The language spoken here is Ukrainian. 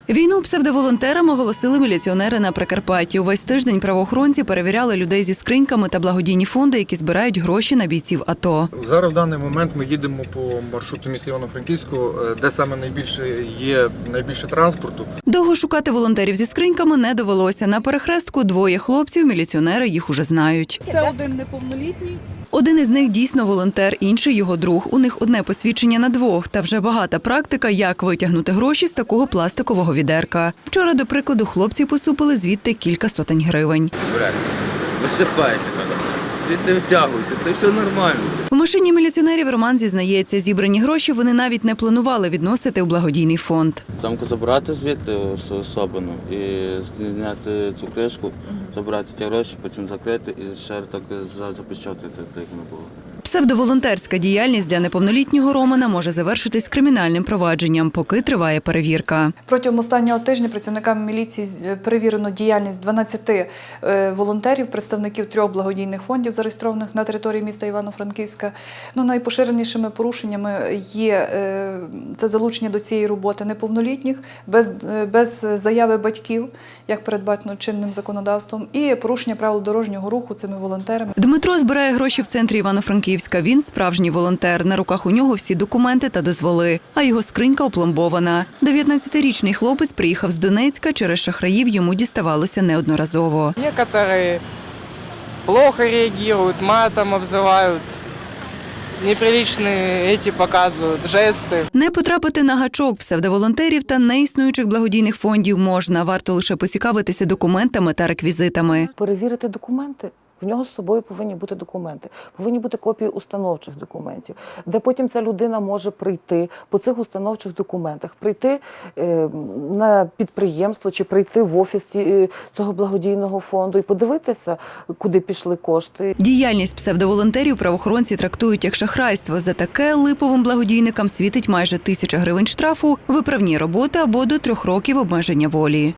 Війну псевдоволонтерам оголосили міліціонери на Прикарпатті. Увесь тиждень правоохоронці перевіряли людей зі скриньками та благодійні фонди, які збирають гроші на бійців АТО. Зараз в даний момент ми їдемо по маршруту міста Івано-Франківського, де саме найбільше транспорту. Довго шукати волонтерів зі скриньками не довелося. На перехрестку двоє хлопців, міліціонери їх уже знають. Це один неповнолітній. Один із них дійсно волонтер, інший його друг. У них одне посвідчення на двох. Та вже багата практика, як витягнути гроші з такого пластикового відерка. Вчора, до прикладу, хлопці посупили звідти кілька сотень гривень. Брат, висипайте мене, звідти втягуйте, то все нормально. У машині міліціонерів Роман зізнається, зібрані гроші вони навіть не планували відносити у благодійний фонд. Замку забрати звідти особину і зняти цю кришку, забрати ті гроші, потім закрити і ще так запечатати, так як не було. Псевдоволонтерська діяльність для неповнолітнього Романа може завершитись кримінальним провадженням, поки триває перевірка. Протягом останнього тижня працівниками міліції перевірено діяльність 12 волонтерів, представників 3 благодійних фондів, зареєстрованих на території міста Івано-Франківська. Найпоширенішими порушеннями є це залучення до цієї роботи неповнолітніх, без заяви батьків, як передбачено чинним законодавством, і порушення правил дорожнього руху цими волонтерами. Дмитро збирає гроші в центрі Івано-Франківська. Він справжній волонтер. На руках у нього всі документи та дозволи, а його скринька опломбована. 19-річний хлопець приїхав з Донецька, через шахраїв йому діставалося неодноразово. Некоторые плохо реагируют, матом обзывают, неприличные эти показывают, жесты. Не потрапити на гачок псевдоволонтерів та неіснуючих благодійних фондів можна. Варто лише поцікавитися документами та реквізитами. Перевірити документи. В нього з собою повинні бути документи, повинні бути копії установчих документів, де потім ця людина може прийти по цих установчих документах, прийти на підприємство чи прийти в офіс цього благодійного фонду і подивитися, куди пішли кошти. Діяльність псевдоволонтерів правоохоронці трактують як шахрайство. За таке липовим благодійникам світить майже 1000 гривень штрафу, виправні роботи або до 3 років обмеження волі.